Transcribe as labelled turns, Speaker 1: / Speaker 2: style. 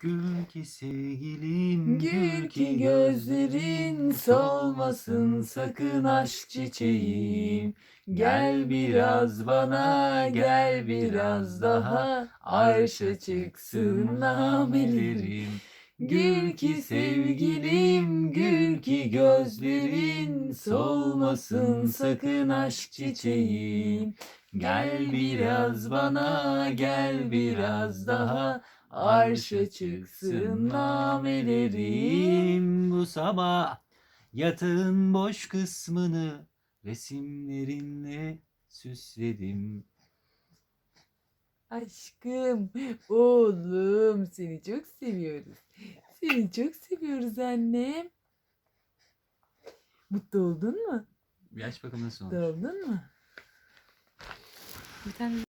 Speaker 1: Gül ki sevgilim,
Speaker 2: Gül ki gözlerin solmasın sakın aşk çiçeğim. Gel biraz bana, gel biraz daha, arşa çıksın namelerim. Gül ki sevgilim, gül ki gözlerin solmasın sakın aşk çiçeğim. Gel biraz bana, gel biraz daha, arşa çıksın namelerim.
Speaker 1: Bu sabah yatağın boş kısmını resimlerinle süsledim.
Speaker 2: Aşkım, oğlum seni çok seviyoruz. Seni çok seviyoruz annem. Mutlu oldun mu?
Speaker 1: Bir aç bakalım nasıl
Speaker 2: Mutlu
Speaker 1: olmuş.
Speaker 2: oldun mu? Bir tane